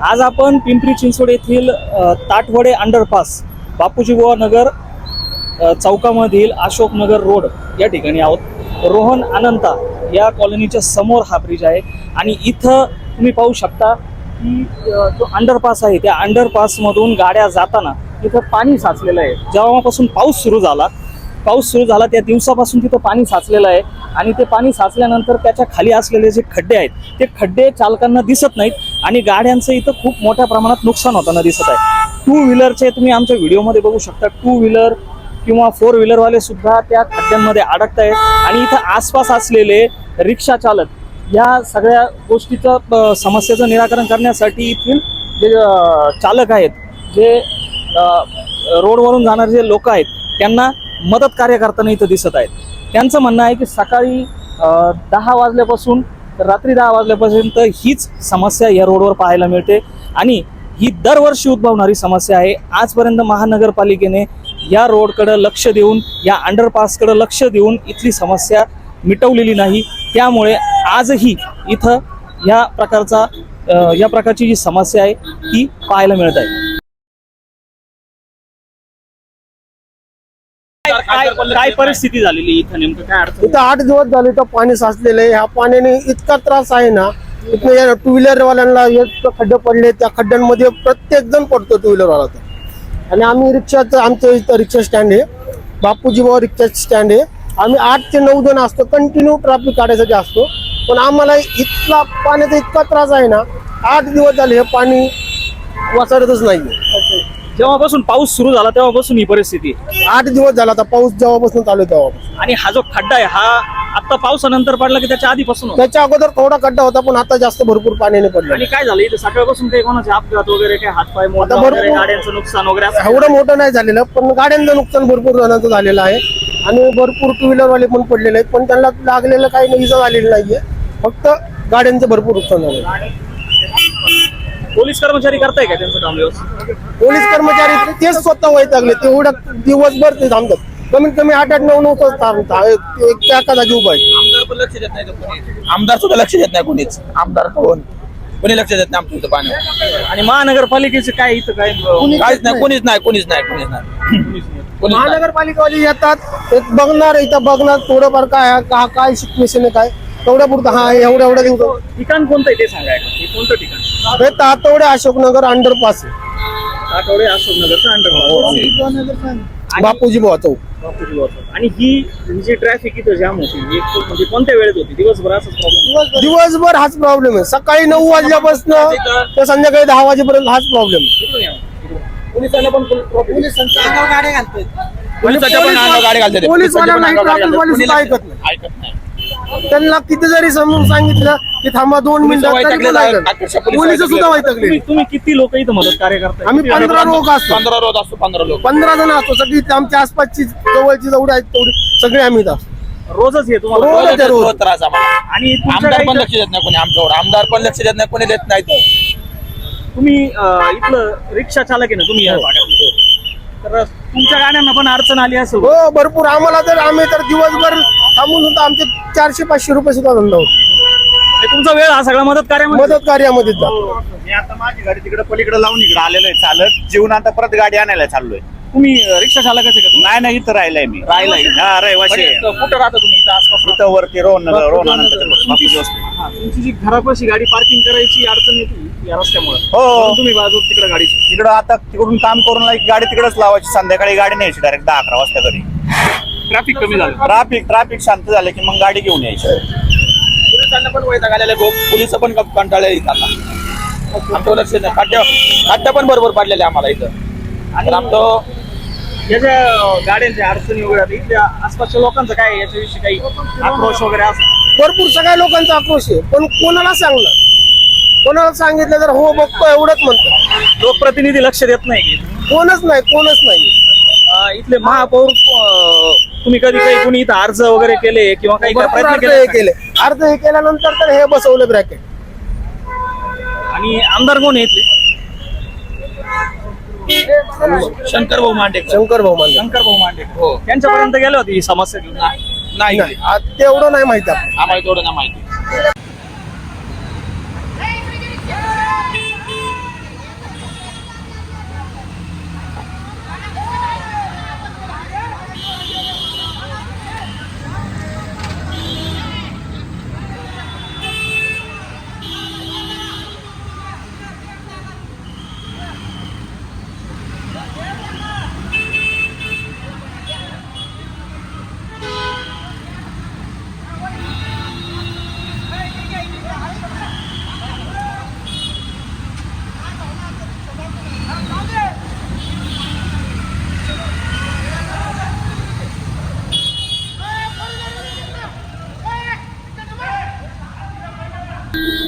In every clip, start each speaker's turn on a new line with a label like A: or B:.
A: आज आपण पिंपरी चिंचवड येथील ताटवडे अंडरपास बापूजीबुवा नगर चौकामधील अशोकनगर रोड या ठिकाणी आहोत। रोहन अनंता या कॉलनीच्या समोर हा ब्रिज आहे आणि इथं तुम्ही पाहू शकता की जो अंडरपास आहे त्या अंडरपासमधून गाड्या जाताना इथं पाणी साचलेलं आहे। जेव्हापासून पाऊस सुरू झाला त्या दिवसापासून तिथं पाणी साचलेलं आहे आणि ते पाणी साचल्यानंतर त्याच्या खाली असलेले जे खड्डे आहेत ते खड्डे चालकांना दिसत नाहीत आणि गाड्यांचं इथं खूप मोठ्या प्रमाणात नुकसान होताना दिसत आहे। टू व्हीलरचे तुम्ही आमच्या व्हिडिओमध्ये बघू शकता, टू व्हीलर किंवा फोर व्हीलरवाले सुद्धा त्या खड्ड्यांमध्ये अडकत आहेत आणि इथं आसपास असलेले रिक्षा चालक या सगळ्या गोष्टीचं समस्येचं निराकरण करण्यासाठी इथील जे चालक आहेत, जे रोडवरून जाणारे जे लोक आहेत त्यांना मदत कार्य करताना इथं दिसत आहेत। त्यांचं म्हणणं आहे की सकाळी 10 वाजल्यापासून रात्री 10 वाजल्यापर्यंत हीच समस्या या रोडवर पाहायला मिळते आणि ही दरवर्षी उद्भवणारी समस्या आहे। आजपर्यंत महानगरपालिकेने या रोडकडे लक्ष देऊन, या अंडरपासकडे लक्ष देऊन इथली समस्या मिटवलेली नाही। त्यामुळे आजही इथं या प्रकारची जी समस्या आहे ती पाहायला मिळत आहे। काय परिस्थिती झालेली इथं, नेमकं काय अडचण?
B: इथं 8 दिवस झाले तर पाणी साचलेलं आहे। ह्या पाण्याने इतका त्रास आहे ना, इथं टू व्हीलर वाल्यांना खड्डे पडले, त्या खड्ड्यांमध्ये प्रत्येक जण पडतो टू व्हीलर वाला। आणि आम्ही रिक्षाचं, आमचं इथं रिक्षा स्टँड आहे, बापूजीबुवा रिक्षा स्टँड आहे। आम्ही 8 ते 9 जण असतो, कंटिन्यू ट्रॅफिक काढायसाठी असतो, पण आम्हाला इथला पाण्याचा इतका त्रास आहे ना, 8 दिवस झाले हे पाणी वाचतच नाही।
A: जेव्हापासून पाऊस सुरू झाला तेव्हापासून ही परिस्थिती
B: 8 दिवस झाला आता पाऊस जेव्हापासून चालू आहे तेव्हापासून।
A: आणि हा जो खड्डा आहे हा आता पावसानंतर पडला की त्याच्या आधीपासून होता?
B: त्याच्या अगोदर थोडा खड्डा होता, पण आता जास्त भरपूर पाण्याने पडला।
A: आणि काय झालं इथे सकाळपासून काही कोणाचे अपघात वगैरे, काय हातपाय मोडला वगैरे, गाड्यांचं नुकसान वगैरे असं?
B: एवढं मोठं नाही झालेलं, पण गाड्यांचं नुकसान भरपूर जणांचं झालेलं आहे आणि भरपूर टू व्हीलर वाले पण पडलेले आहेत, पण त्यांना लागलेलं काही इजा झालेलं नाहीये, फक्त गाड्यांचं भरपूर नुकसान झालेलं आहे।
A: पोलीस कर्मचारी करताय का त्यांचं काम व्यवस्थित?
B: पोलीस कर्मचारी तेच स्वतः वैतागले, तेवढं दिवसभर ते थांबतात, कमीत कमी 8-9 तास थांबतात, एका जागी उभा आहे।
C: आमदार पण लक्ष देत नाही, आमदार सुद्धा लक्ष देत नाही, कोणीच आमदार कोणी लक्ष देत नाही आमच्या इथं पाण्यावर।
A: आणि महानगरपालिकेचे काय इथं
C: काहीच नाही, कोणीच नाही।
B: महानगरपालिकावाले येतात, ते बघणार, इथं बघणार थोडंफार काय सिच्युएशन आहे, काय तेवढ्या पुरतं हा एवढ्या दिवस।
A: ठिकाण कोणतं आहे ते सांगायला, हे कोणतं ठिकाण?
B: हे ताटवडे अशोकनगर अंडरपास आहे,
A: ताटवडे अशोकनगरचं अंडरपास,
B: बापूजीबुवा चौक।
A: आणि ही जी ट्रॅफिक इथं जाम होती म्हणजे कोणत्या वेळेत होती? दिवसभर असाच प्रॉब्लेम?
B: दिवसभर हाच प्रॉब्लेम आहे, सकाळी 9 वाजल्यापासून ते संध्याकाळी 10 वाजेपर्यंत हाच प्रॉब्लेम।
A: पोलिसांना पण
C: गाडी घालतात,
B: ऐकत नाही। त्यांना किती जरी समजून सांगितलं की थांबा 2 मिनिटं, पोलीस सुद्धा वैतागले।
A: तुम्ही किती लोक इथं मदत कार्य करताय?
B: आम्ही 15 लोक असतो,
C: 15 रोज असतो, 15 लोक,
B: 15 जण असतो, सगळी आमच्या आसपासची जवळची जेवढी आहेत तेवढी सगळे आम्ही इथं असतो।
A: रोजच येतो
C: रोज त्रास आम्हाला।
A: आणि
C: आमदार पण लक्ष देत नाही कोणी आमच्यावर, आमदार पण लक्ष देत नाही, कोणी देत नाही।
A: तुम्ही इथलं रिक्षा चालक आहे ना तुम्ही या भागात, तर तुमच्या गाड्यांना पण अडचण आली असेल?
B: हो भरपूर, आम्हाला तर आम्ही तर दिवसभर थांबून सुद्धा आमचे 400-500 रुपये सुद्धा धंदा होतो।
A: तुमचा वेळ हा सगळा मदत
B: कार्यामध्ये जातो।
D: मी आता माझी गाडी तिकडे पलीकडे लावून इकडे आलेलो आहे चालत, जेवून आता परत गाडी आणायला चाललोय।
A: तुम्ही रिक्षा चालकच आहे का?
D: नाही इथं राहिलाय मी,
A: राहिलाय?
D: हा रहिवाशी आहे।
A: कुठं राहता तुम्ही? इथं आसपास?
D: इथं वरती रोहन
A: तुमची जी घरापाशी गाडी पार्किंग करायची अडचण येते या रस्त्यामुळे,
D: हो
A: तुम्ही बाजू तिकडे गाडी
D: तिकडं आता तिकडून काम करून गाडी तिकडेच लावायची, संध्याकाळी गाडी न्यायची डायरेक्ट 10-11 वाजता घरी।
A: ट्रॅफिक कमी झालं,
D: ट्रॅफिक शांत झालं की मग गाडी घेऊन यायची।
C: पोलिसांना पण वैताग आलेला आहे, पोलिस पण कंटाळले आता, आमचं लक्ष नाही। खड्ड्या पण बरोबर पडलेले आम्हाला इथं। आणि आमचं
A: याच्या गाड्यांच्या अडचणी वगैरे इथल्या आसपासच्या लोकांचं काय याच्याविषयी काही आक्रोश वगैरे असं?
B: भरपूर सगळ्या लोकांचा आक्रोश आहे, पण कोणाला सांगणार? कोणाला सांगितलं तर हो बघतो एवढंच म्हणतात,
A: लोकप्रतिनिधी लक्ष देत नाही?
B: कोणच नाही।
A: इथले महापौर तुम्ही कधी काही कोणी इथं अर्ज वगैरे केले किंवा काही प्रयत्न केले?
B: अर्ज हे केल्यानंतर तर हे बसवलं ब्रॅकेट।
A: आणि आमदार कोण आहे इथले?
C: शंकर भाऊ मांडे
A: हो, त्यांच्यापर्यंत गेले होते ही समस्या?
C: नाही,
B: तेवढं नाही माहिती
C: आम्हाला तेवढं नाही माहिती।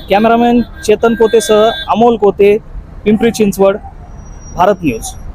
A: कॅमेरामॅन चेतन कोतेसह अमोल कोते, पिंपरी चिंचवड, भारत न्यूज.